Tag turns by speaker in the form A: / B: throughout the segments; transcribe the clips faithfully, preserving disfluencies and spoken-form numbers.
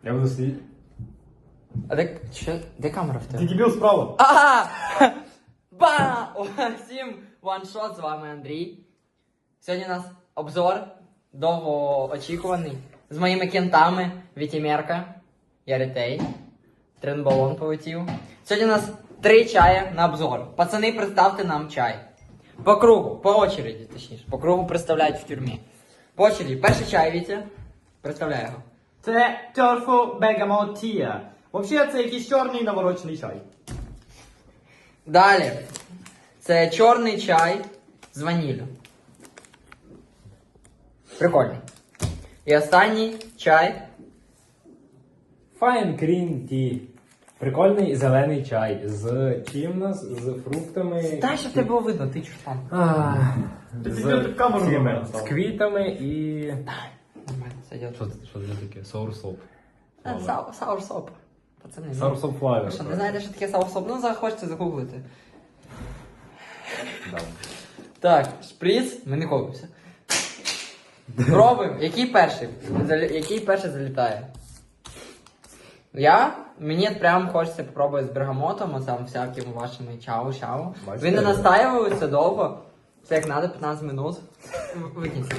A: Я буду сидіти.
B: А де, що, де камера в
A: Ти
B: тебе?
A: дебіл справа.
B: Ага! Ба! О, всім ваншот, з вами Андрій. Сьогодні у нас обзор довгоочікуваний з моїми кентами Вітімерка, Яритей, Тренбалон полетів. Сьогодні у нас три чая на обзор. Пацани, представте нам чай. По кругу, по очереді, точніше. По кругу представляють в тюрмі. По очереді. Перший чай, Вітя. Представляю його.
A: Це торфу бегамотія. Взагалі, це якийсь чорний наворочений чай.
B: Далі. Це чорний чай з ваніллю. Прикольний. І останній чай.
C: Fine Green Tea. Прикольний зелений чай. З чим у нас? З фруктами.
B: Дай, щоб тебе було видно, ти чуш там.
C: А,
A: Ти
C: з,
A: тепер так камеру
C: цими,
A: нормально
C: з
A: став.
C: квітами і...
B: Нормально, сойдет.
C: Що це, що це таке? Соурсоп.
B: Саурсоп. Пацани, ну.
C: Соурсоп флавер.
B: Ви що, не знаєте, що таке саурсоп? Ну, захочете загуглити. Так, шприц, ми не колимося. Пробуємо. Який перший? Залі- Який перший залітає? Я? Мені прям хочеться попробувати з бергамотом, а там всякими вашими чау-чау.
C: Бачите?
B: Ви не настаювалися довго. Все як треба, п'ятнадцять минут. Викиньте.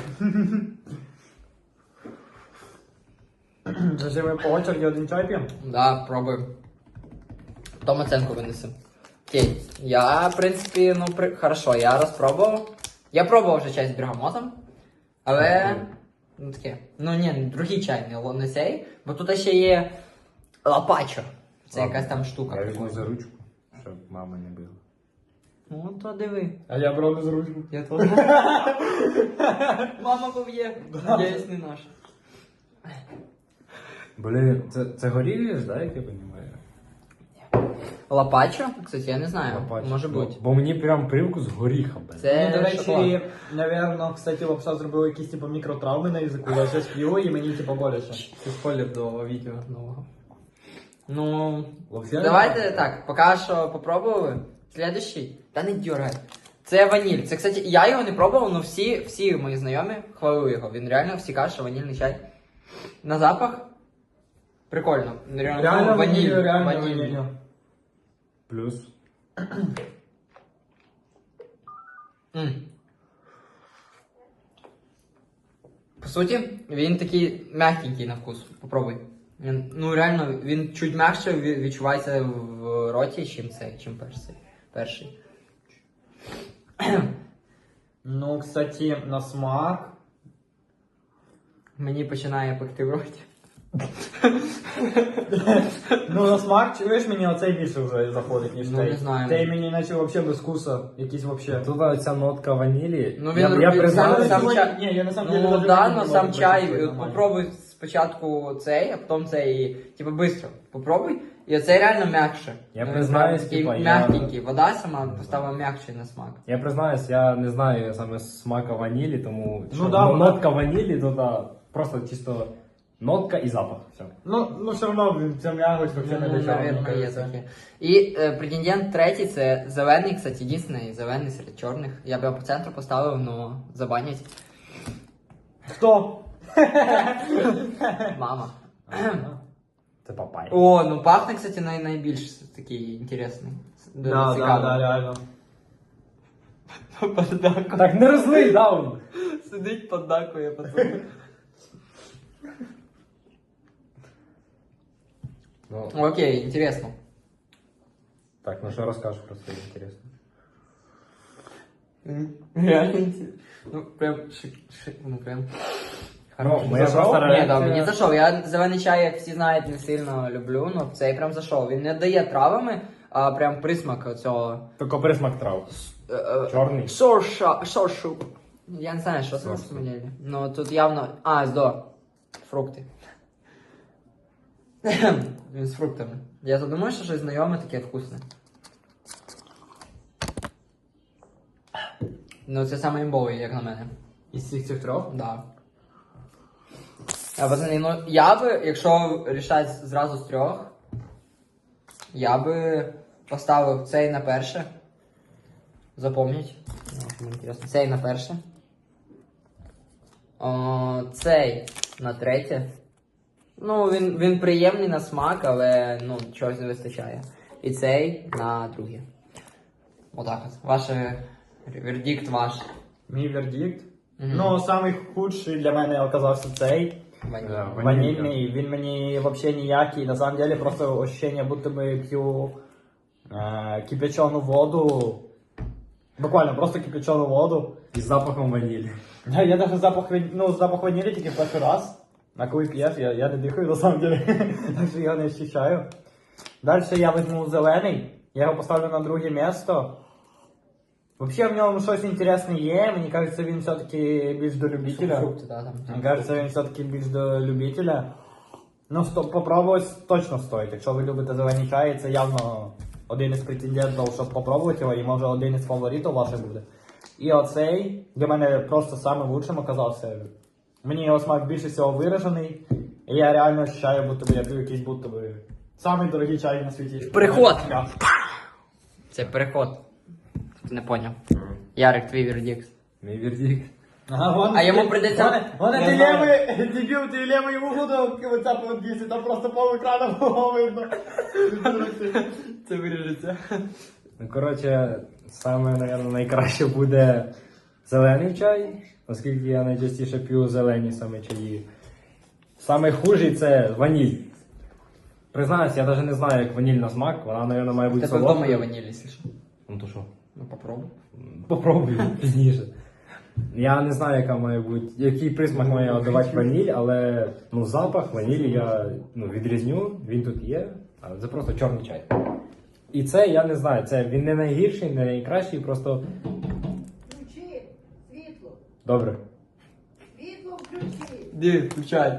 A: Це ми по очереді один чай п'ємо?
B: Да, пробуємо. Потім оценку винесемо. Окей. Я, в принципі, ну, при... хорошо, я розпробував. Я пробував вже чай з бергамотом. Але... Ну таке. Ну ні, другий чай, не, л- не цей. Бо тут ще є лапачо. Це
C: Ладно.
B: якась там штука.
C: Я візьму за ручку, щоб мама не била.
B: Ну, то диви.
A: А я брав за ручку.
B: Я теж. Мама поб'є. Надіюсь, не наша.
C: Блін, це, це горілі ж, да, як я розумію?
B: Лапачо? Кстати, я не знаю. Може
C: Ну,
B: бути.
C: Бо мені прям привкус горіха, блін.
B: Це
A: Ну, до
B: шоколад.
A: речі, напевно, кстати, лапша зробила якісь типу мікротравми на язику. Я щось п'ю і мені типу боляче.
B: Це спойлер до відео нового. Ну,
A: Лапша?
B: давайте так, поки що попробували. Следующий. Та не дергай. Це ваніль. Це, кстати, я його не пробував, але всі, всі мої знайомі хвалили його. Він реально всі кажуть, що ванільний чай. На запах прикольно. Реально,
A: Реально
B: ну, ваніль.
A: ваніль, реально
B: ваніль.
A: ваніль.
C: Плюс.
B: М. По суті, він такий м'якенький на вкус. Попробуй. Він, ну реально, він чуть м'якше ві- відчувається в роті, чим цей, чим перший. перший.
A: Ну, кстати, на смак.
B: Мені починає пекти в роті.
A: Ну, на смак, чуєш, мені оцей більше вже заходить, ніж
B: Ну,
A: той.
B: не знаю.
A: Той мені наче взагалі без вкуса. Якийсь вообще.
C: Тут ця нотка ванілі.
B: Ну,
C: я,
B: він-
C: я
B: він
C: признаюсь,
B: сам-
A: Сам
B: чай-
A: Ні, я на самом деле
B: Ну
A: даже
B: да,
A: не
B: но
A: можу
B: сам чай,
A: почувствовать
B: от
A: нормально.
B: попробуй спочатку цей, а потім цей, і, типу, быстро. Попробуй, і оцей реально м'якше.
C: Я
B: Ну,
C: признаюсь,
B: він такий
C: типа, я-
B: м'якенький. Вода сама стала м'якшою на смак.
C: я признаюсь, я не знаю саме смака ванілі, тому
A: Ну
C: що,
A: да,
C: ну,
A: вона-
C: нотка ванілі, то да, просто чисто нотка і запах. Все.
A: Ну, ну все одно, блін, ця м'ягость вообще не
B: Ну,
A: до чого, мені
B: наверное, є
A: кажеться.
B: таке. І е, претендент третій це зелений, кстати, єдиний зелений серед чорних. Я б його по центру поставив, но забанять.
A: Хто?
B: Мама.
C: Це папай.
B: О, ну пахне, кстати, най найбільш такий інтересний. Дуже
A: Да, да,
B: цікавий.
A: да, реально.
B: Поддакує.
C: Так не розлий, даун!
B: Сидить поддакує, пацан.
C: Ну,
B: Окей, интересно.
C: так, ну що розкажеш про це, інтересно.
B: Реально интересно. Ну, прям шик, шик, ну прям.
C: Ну, моя
B: Зашов?
C: просто
B: Ні, да,
C: реакція-
B: мені зайшов. Я зелений чай, як всі знають, не сильно люблю, але цей прям зайшов. Він не дає травами, а прям присмак цього.
C: Тільки присмак трав.
B: е, е,
C: Чорний.
B: Сорша, соршу. Я не знаю, що це на
C: Соршу.
B: самом деле. Ну тут явно. А, здо. Фрукти. Він з фруктами. Я задумаю, що щось знайоме таке вкусне. Ну це саме імбовий, як на мене.
A: Із цих цих трьох?
B: Да. А, пацани, ну я би, якщо рішати зразу з трьох, я би поставив цей на перше. Запомніть. Ну, мені інтересно. Цей на перше. О, цей на третє. Ну, він, він приємний на смак, але ну, чогось не вистачає. І цей на друге. Отак от. Ваш вердикт ваш.
A: Мій вердикт.
B: Мгм.
A: Ну, самий худший для мене оказався цей.
B: Ваніль.
C: Да.
A: Ванільний. Він мені взагалі ніякий. На самом деле просто ощущение, будто би п'ю е, кипячену воду. Буквально просто кипячену воду.
C: Із запахом ванілі.
A: Я, я даже запах, ван- ну, запах ванілі тільки перший раз. А коли п'єш, я, я не дихаю на самом деле. Так що я не ощущаю. Далі я візьму зелений. Я його поставлю на друге місто. Вообще в ньому щось інтересне є. Мені кажеться, він все-таки більш до любителя.
B: Фрукти, да, там.
A: Мені кажеться, він все-таки більш до любителя. Ну, сто, попробувати точно стоїть. Якщо ви любите зелені чаї, це явно один із претендентів, щоб попробувати його, і може один із фаворитів ваших буде. І оцей для мене просто самим лучшим оказався. Мені його смак більше всього виражений. І я реально ощущаю, будто би я п'ю якийсь будто би самий дорогий чай на світі.
B: Переход! Це переход. Ти не поняв. Ярик, твій вердикт.
C: Мій вердикт.
A: Ага, вон,
B: А йому прийдеться-
A: Вон, вон
B: Я
A: дилеми, дебіл, дилеми йому буду ватсапу відвісити, там просто пол екрану було видно.
B: Це виріжеться.
C: Ну, коротше, саме, мабуть, найкраще буде зелений чай, оскільки я найчастіше п'ю зелені саме чаї. Саме хужий це ваніль. Признаюсь, я навіть не знаю, як ваніль на смак, вона, мабуть, має бути
B: Тебе вдома є
C: солодкою.
B: ваніль, якщо що.
C: Ну то що?
B: Ну попробуй.
C: Попробую пізніше. Я не знаю, яка має бути, який присмак має давати ваніль, але ну, запах ванілі я ну, відрізню, він тут є, але це просто чорний чай. І це я не знаю, це він не найгірший, не найкращий, просто
D: Включи світло.
C: добре.
D: Світло включи.
B: Ди, включай.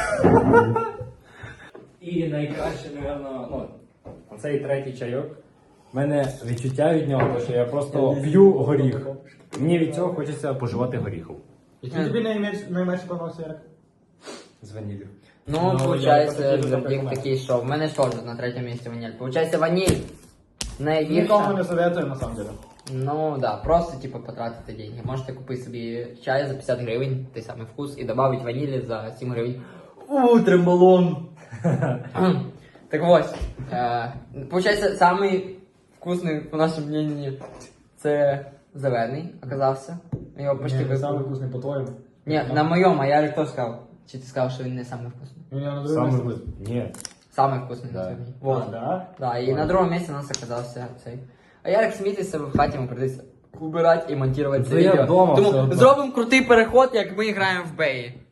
C: І найкраще, напевно, ну, оцей третій чайок. У мене відчуття від нього, що я просто п'ю горіх. Мені від цього хочеться поживати горіху.
A: Який тобі найменш- найменше подобався, Ярик?
C: З ваніллю.
B: Ну,
A: Ну, я
B: получається,
A: просто дуже
B: вердикт
A: так
B: такий, що в мене ж теж на третьому місці ваніль. Получається ваніль.
A: Нікому
B: Найгірша.
A: не советую, на самом деле.
B: Ну да, просто типу потратити деньги. Можете купити собі чай за п'ятдесят гривень, той самий вкус, і додати ванілі за сім гривень. У, трембалон! Так ось. Е, получається, самий вкусний, по нашому мнению, це зелений оказався. Його почти
A: Ні,
B: випив.
A: самий вкусний по-твоєму.
B: Ні, на моєму, а я хто сказав? Чи ти сказав, що він не самий вкусний?
A: Він його на другому
C: Саме
A: місці.
C: вкус- Ні.
B: Самый вкусный
C: Да.
B: на сьогодні.
A: А,
B: Вот.
A: да?
B: Да, і на другому місці у нас оказався цей. А Ярик смійтеся в хаті, йому прийдеться убирати і монтувати це
C: Це я
B: відео.
C: вдома все
B: Тому
C: одно.
B: зробимо крутий переход, як ми граємо в Беї.